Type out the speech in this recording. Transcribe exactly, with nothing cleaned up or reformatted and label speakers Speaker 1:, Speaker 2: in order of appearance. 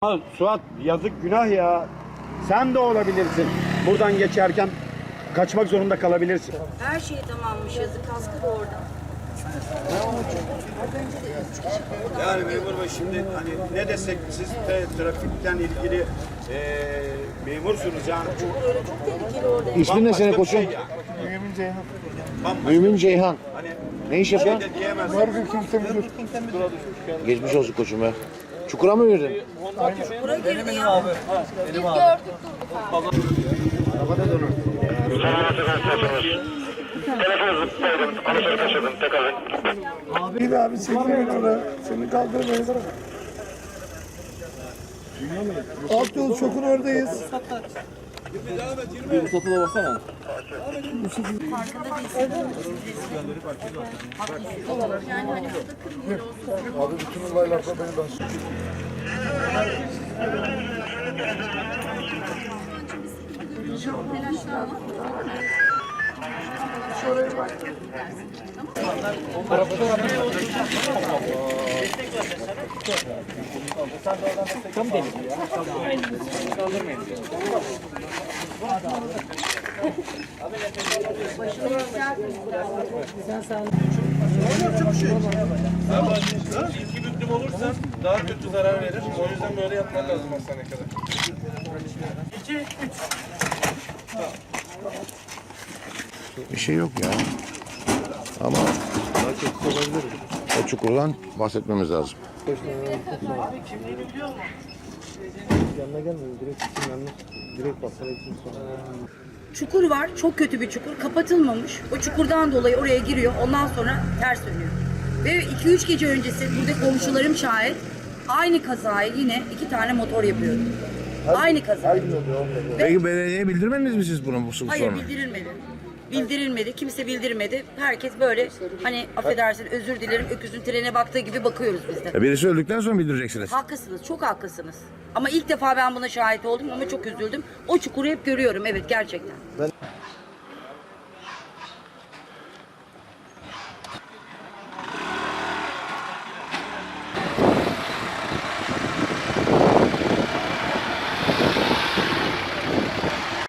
Speaker 1: Ha, Suat yazık günah ya. Sen de olabilirsin. Buradan geçerken kaçmak zorunda kalabilirsin.
Speaker 2: Her şey tamammış, yazık, kaskı da orada.
Speaker 1: Yani memur bey şimdi hani ne desek siz de trafikten ilgili eee memursunuz yani. Bu
Speaker 2: Öyle çok tehlikeli orada.
Speaker 3: İsmin ne senin
Speaker 1: bambaşka bir
Speaker 3: koçum?
Speaker 1: şey ya.
Speaker 4: Mümin Ceyhan.
Speaker 1: Bambaşka
Speaker 3: Mümin Ceyhan.
Speaker 1: hani
Speaker 3: Ne iş
Speaker 1: şey
Speaker 3: yapıyorsun?
Speaker 1: de diyemezsin.
Speaker 4: Burger King temizliyor.
Speaker 3: Geçmiş olsun koçum ya. Çukura mı girdin?
Speaker 2: Buraya girdi ya.
Speaker 4: Abi abi çekmeyin oraya. Seni kaldırmayın. Alt yol çokun oradayız.
Speaker 2: Farkında değilsin. Haklısın. Yani hani burada kırmıyor olsun.
Speaker 4: Abi bütün olaylarda beni ben.
Speaker 2: Telaşlanma.
Speaker 5: İki büklüm olursa daha kötü zarar verir. O yüzden böyle yapmak lazım hastaneye kadar.
Speaker 3: Bir şey yok ya. Ama o çukurdan bahsetmemiz lazım.
Speaker 4: Yanına gelmeyin. Direkt gitsin yanına. Direkt baksana gitsin sonra.
Speaker 2: Çukur var, çok kötü bir çukur. Kapatılmamış. O çukurdan dolayı oraya giriyor. Ondan sonra ters dönüyor. Ve iki üç gece öncesi burada komşularım şahit. Aynı kazayı yine iki tane motor yapıyordu. Aynı kaza.
Speaker 3: Peki belediyeye bildirmediniz mi siz bunu bu sorunu?
Speaker 2: Hayır, bildirilmedi. Bildirilmedi. Kimse bildirmedi. Herkes böyle hani affedersin özür dilerim öküzün trene baktığı gibi bakıyoruz biz de.
Speaker 3: E birisi öldükten sonra bildireceksiniz.
Speaker 2: Haklısınız. Çok haklısınız. Ama ilk defa ben buna şahit oldum ama çok üzüldüm. O çukuru hep görüyorum. Evet, gerçekten.